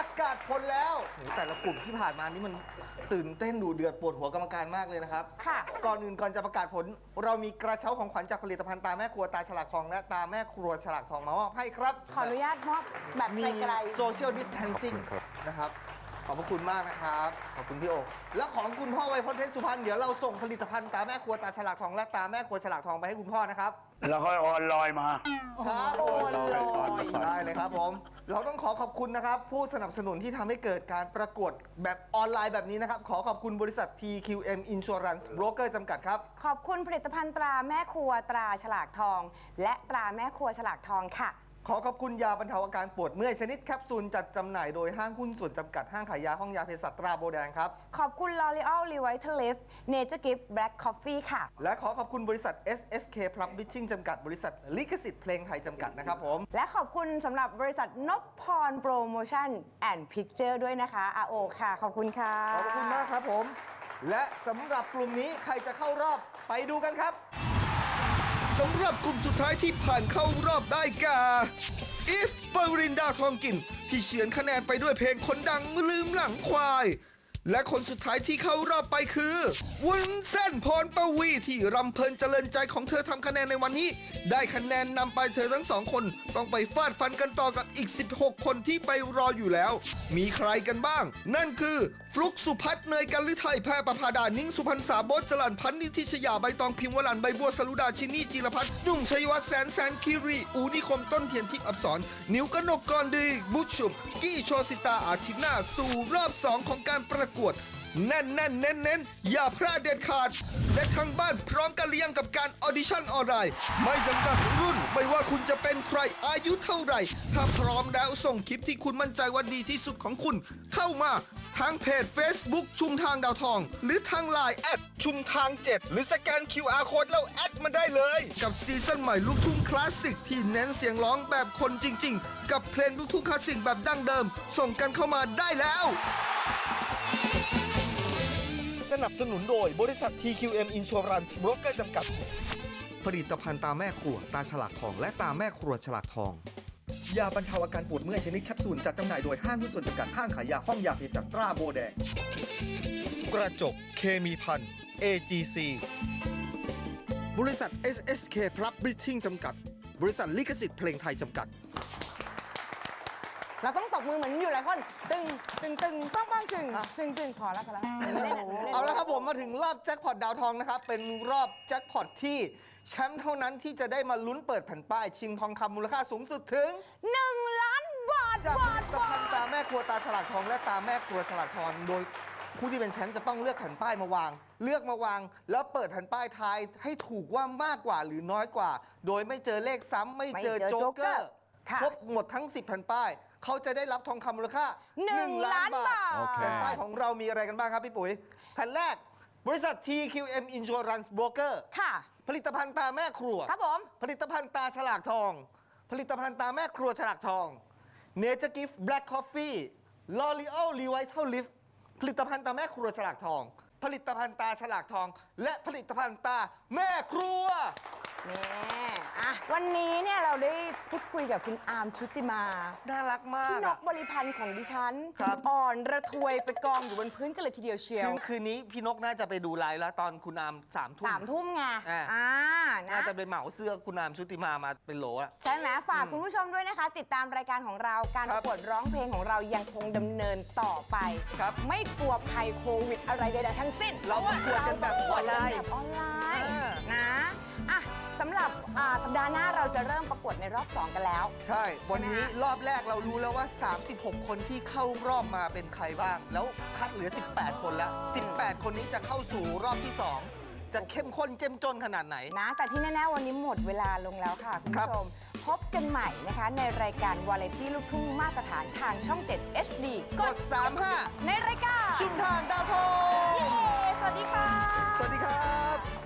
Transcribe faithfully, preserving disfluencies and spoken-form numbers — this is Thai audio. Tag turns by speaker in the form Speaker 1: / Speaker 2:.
Speaker 1: ประกาศผลแล้วโหแต่ละกลุ่มที่ผ่านมานี่มันตื่นเต้นดูเดือดปวดหัวกรรมการมากเลยนะครับ
Speaker 2: ค่ะ
Speaker 1: ก่อนอื่นก่อนจะประกาศผล เรามีกระเช้าของขวัญจากผลิตภัณฑ์ตาแม่ครัวตาฉลากทองและตาแม่ครัวฉลากทองมามอบให้ครับ
Speaker 2: ขออนุญาตมอบแบบ
Speaker 1: มี
Speaker 2: ไกล
Speaker 1: โซเชียลดิสแทนซิ่งนะครับขอบพระคุณมากนะครับขอบคุณพี่โอและของคุณพ่อไวยพจน์เพชรสุพรรณเดี๋ยวเราส่งผลิตภัณฑ์ตาแม่ครัวตาฉลากทองและตาแม่ครัวฉลากทองไปให้คุณพ่อนะครับ
Speaker 3: แล้วก็ออนไลน์มา
Speaker 1: ครับ
Speaker 2: โอนลอย
Speaker 1: ได้เลยครับผมเราต้องขอขอบคุณนะครับผู้สนับสนุนที่ทำให้เกิดการประกวดแบบออนไลน์แบบนี้นะครับขอขอบคุณบริษัท ที คิว เอ็ม Insurance Broker จำกัดครับ
Speaker 2: ขอบคุณผลิตภัณฑ์ตราแม่ครัวตราฉลากทอง และตราแม่ครัวฉลากทองค่ะ
Speaker 1: ขอขอบคุณยาบรรเทาอาการปวดเมื่อยชนิดแคปซูลจัดจำหน่ายโดยห้างหุ้นส่วนจำกัดห้างขายยาห้องยาเภสัชตราโบแดงครับ
Speaker 2: ขอบคุณ L'Oreal Revitalift Nature Gift Black Coffee ค่ะ
Speaker 1: และขอขอบคุณบริษัท เอส เอส เค Publishing จำกัดบริษัทลิขสิทธิ์เพลงไทยจำกัดนะครับผม
Speaker 2: และขอบคุณสำหรับบริษัทนพพรโปรโมชั่นแอนด์พิกเจอร์ด้วยนะคะ อาโอค่ะ ขอบคุณค่ะ
Speaker 1: ขอบคุณมากครับผม และสำหรับกลุ่มนี้ใครจะเข้ารอบไปดูกันครับสำหรับกลุ่มสุดท้ายที่ผ่านเข้ารอบได้แก่อีฟปรินดาทองกินที่เฉือนคะแนนไปด้วยเพลงคนดังลืมหลังควาย และคนสุดท้ายที่เข้ารอบไปคือวุ้นเส้นพรปวีที่รำเพลินเจริญใจของเธอทำคะแนนในวันนี้ ได้คะแนนนำไปเธอทั้งสองคนต้องไปฟาดฟันกันต่อกับอีกสิบหกคนที่ไปรออยู่แล้ว มีใครกันบ้าง นั่นคือฟลุกสุพัฒน์เนยกันฤทัยแพรประภาดานิ่งสุพรรณสาโบจรันพันนิธิชยาใบตองพิมพ์วลันใบบัวสรุดาชินีจิรพัฒน์นุ่มชัยวัฒน์แสนแสนคิรีอูนิคมต้นเทียนทิพย์อับสรนิวกนกกรดีบุชชุมกี้โชสิตาอาทิตย์หน้าสู่รอบสองของการประกวดแน่นแน่นเน้นเน้นอย่าพลาดเด็ดขาดและทางบ้านพร้อมกันเรียงกับการออดิชั่นออนไลน์ไม่จำกัดรุ่นไม่ว่าคุณจะเป็นใครอายุเท่าไหร่ถ้าพร้อมแล้วส่งคลิปที่คุณมั่นใจว่าดีที่สุดของคุณเข้ามาทางเพจ Facebook ชุมทางดาวทองหรือทางไลน์แอดชุมทางเจ็ดหรือสแกน คิว อาร์ Code แล้วแอดมาได้เลยกับซีซั่นใหม่ลูกทุ่งคลาสสิกที่เน้นเสียงร้องแบบคนจริงๆกับเพลงลูกทุ่งคลาสสิกแบบดั้งเดิมส่งกันเข้ามาได้แล้วสนับสนุนโดยบริษัท ที คิว เอ็ม Insurance Broker จำกัดผลิตภัณฑ์ตาแม่ครัวตาฉลากทองและตาแม่ครัวฉลากทองยาบรรเทาอาการปวดเมื่อยชนิดแคปซูลจัดจำหน่ายโดยห้างหุ้นส่วนจำกัดห้างขายยาห้องยาเภสัชตราโบแดงกระจกเคมีพัน เอ จี ซี บริษัท เอส เอส เค Publishing จำกัดบริษัทลิขสิทธิ์เพลงไทยจำกัด
Speaker 2: เราต้องตบมือเหมือนอยู่หลายคน ตึง ตึง ตึงป้องป้องตึง ตึง ตึง พอแล้วพอแล้วเล่นอ่ะ
Speaker 1: เอาละครับผมมาถึงรอบแจ็คพอตดาวทองนะครับเป็นรอบแจ็คพอตที่แชมป์เท่านั้นที่จะได้มาลุ้นเปิดแผ่นป้ายชิงทองคำมูลค่าสูงสุดถึง
Speaker 2: หนึ่งล้านบาท
Speaker 1: จากผ
Speaker 2: บา
Speaker 1: ลิ
Speaker 2: ท
Speaker 1: ตภัณฑ์ตาแม่ครัวตาฉลากทองและตาแม่ครัวฉลากทองโดยผู้ที่เป็นแชมป์จะต้องเลือกแผ่นป้ายมาวาง เลือกมาวาง แล้วเปิดแผ่นป้ายทายให้ถูกว่ามากกว่าหรือน้อยกว่า โดยไม่เจอเลขซ้ำไม่เจอโจ๊กเกอร์ครบหมดทั้งสิบแผ่นป้ายเขาจะได้รับทองคำมูลค่า
Speaker 2: หนึ่งล้านบาท
Speaker 1: แผ่นป้ายของเรามีอะไรกันบ้างครับพี่ปุ๋ยแผ่นแรกบริษัท ที คิว เอ็ม Insurance Broker
Speaker 2: ค่ะ
Speaker 1: ผลิตภัณฑ์ตาแม่ครัว
Speaker 2: ครับผม
Speaker 1: ผลิตภัณฑ์ตาฉลากทอง ผลิตภัณฑ์ตาแม่ครัวฉลากทอง Nature Gift Black Coffee L'Oreal Revitalift ผลิตภัณฑ์ตาแม่ครัวฉลากทอง ผลิตภัณฑ์ตาฉลากทอง และผลิตภัณฑ์ตาแม่ครัว
Speaker 2: นี่อ่ะวันนี้เนี่ยเราได้พูดคุยกับคุณอาร์มชุติมา
Speaker 1: น่ารักมาก
Speaker 2: พี่น
Speaker 1: อะ
Speaker 2: กบริพันธ์ของดิฉัน
Speaker 1: ครับ
Speaker 2: อ่อนระทวยไปกองอยู่บนพื้นกันเลยทีเดียวเชียว
Speaker 1: คืนคืนนี้พี่นกน่าจะไปดูไลฟ์แล้วตอนคุณอามสามทุ่ม
Speaker 2: สามทุ่มไง
Speaker 1: อ่า
Speaker 2: อ่านะ
Speaker 1: น่าจะเป็นเหมาเสื้อคุณอามชุติมามาเป็นโหลอะ
Speaker 2: ใช่ไหมฝากคุณผู้ชมด้วยนะคะ ติดตามรายการของเราการ
Speaker 1: ค
Speaker 2: ป
Speaker 1: รับ
Speaker 2: ระกวดร้องเพลงของเรายังคงดำเนินต่อไป
Speaker 1: ครับ
Speaker 2: ไม่กลัวภัยโควิดอะไรใดๆทั้งสิ้น
Speaker 1: เราประกวดกันแบบออนไลน์
Speaker 2: แบบออนไลน์
Speaker 1: อ่า
Speaker 2: นะอ่ะสำหรับอ่าสัปดาห์หน้าเราจะเริ่มประกวดในรอบสองกันแล้ว
Speaker 1: ใช่ วันนี้รอบแรกเรารู้แล้วว่า สามสิบหก คนที่เข้ารอบมาเป็นใครบ้าง แล้วคัดเหลือ สิบแปด คนแล้ว สิบแปด คนนี้จะเข้าสู่รอบที่ สอง จะเข้มข้นเจ้มจนขนาดไหน
Speaker 2: นะแต่ที่แน่ๆวันนี้หมดเวลาลงแล้วค่ะ คุณ
Speaker 1: ครับ
Speaker 2: ผู้ชม พบกันใหม่นะคะ ในรายการวาไรตี้ลูกทุ่งมาตรฐานทางช่อง เจ็ด เอช ดี
Speaker 1: กด สาม ห้า
Speaker 2: ในรายการ
Speaker 1: ชุมทางดาวทอง
Speaker 2: เย้ สวัสดีค่ะ
Speaker 1: สวัสดีครับ